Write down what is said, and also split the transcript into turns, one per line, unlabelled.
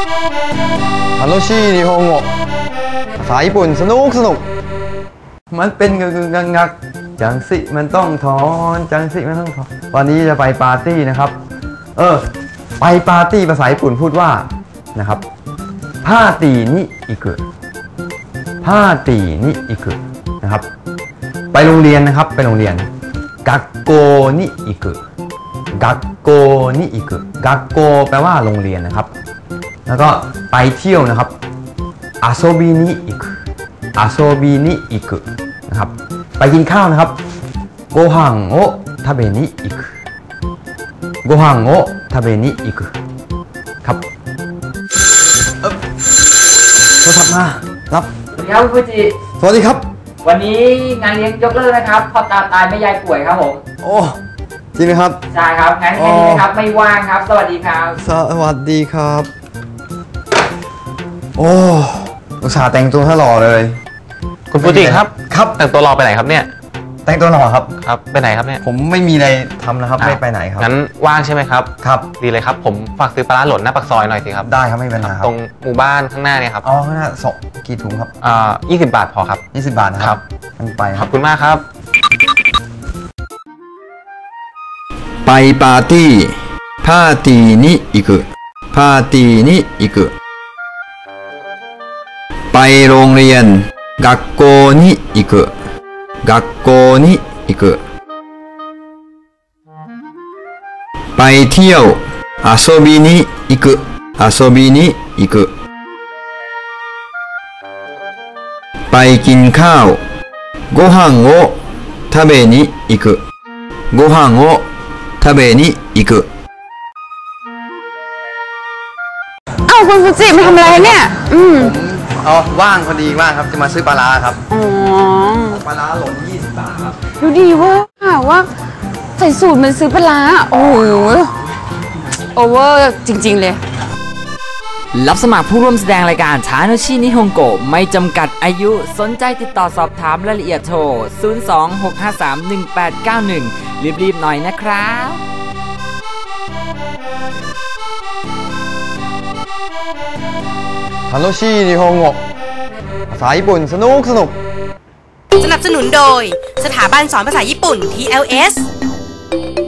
楽しい日本語ภาษาญี่ปุ่นสนุกมันเป็นงักจังสิมันต้องถอนจังสิมันต้องถอนวันนี้จะไปปาร์ตี้นะครับไปปาร์ตี้ภาษาญี่ปุ่นพูดว่านะครับパーティーに行くパーティーに行くนะครับไปโรงเรียนนะครับไปโรงเรียน学校に行く学校に行く学校แปลว่าโรงเรียนนะครับแล้วก็ไปเที่ยวนะครับ遊びに行く遊びに行くนะครับไปกินข้าวนะครับご飯を食べに行くご飯を食べに行くครับโทรศัพท์มารับ
สวัสดีครับคุณฟูจิ
สวัสดีครับ
วันนี้งานเลี้ยงยกเลิกนะครับพ่อตาตายแม่ยายป่วยครับผม
โอ้จริงไหมครับ
ใช่ครับงั้นแค่นี้นะครับไม่ว่างครับสวัสดีครับ
สวัสดีครับโอ้อุตส่าห์แต่งตัวให้หล่อเลย
คุณฟูจิครับ
ครับ
แต่งตัวรอไปไหนครับเนี่ย
แต่งตัวหล่อครับ
ครับไปไหนครับเนี่ย
ผมไม่มีอะไรทำนะครับไม่ไปไหนครับ
งั้นว่างใช่ไหมครับ
ครับ
ดีเลยครับผมฝากซื้อปลาร้าหล่นหน้าปากซอยหน่อยสิครับ
ได้ครับไม่เป็นไรครับ
ตรงหมู่บ้านข้างหน้าเนี่ยครับ
อ๋อข้างหน้ากี่ถุงครับ
20 บาทพอครับ
20 บาทนะครับมันไป
ขอบคุณมากครับ
ไปปาร์ตี้パーティーに行くパーティーに行くไปโรงเรียน学校に行く学校に行くไปเที่ยว遊びに行く遊びに行くไปกินข้าวご飯を食べに行くご飯を食べに行く
คุณฟูจิมาทำอะไรเนี่ย
ว่างพอดีว่างครับจะมาซื้อปลาร้าครับ
อ๋อ
ปลาร้าหล่น20 บาทครับ
ดูดีเวอร์ว่าใส่สูตรมันซื้อปลาร้าโอ้โหโอเวอร์จริงๆเลย
รับสมัครผู้ร่วมแสดงรายการทาโนชินิฮงโกะไม่จำกัดอายุสนใจติดต่อสอบถามรายละเอียดโทร 026531891 รีบๆหน่อยนะครับ
楽しい日本語ภาษาญี่ปุ่นสนุก
สนับสนุนโดยสถาบันสอนภาษาญี่ปุ่น TLS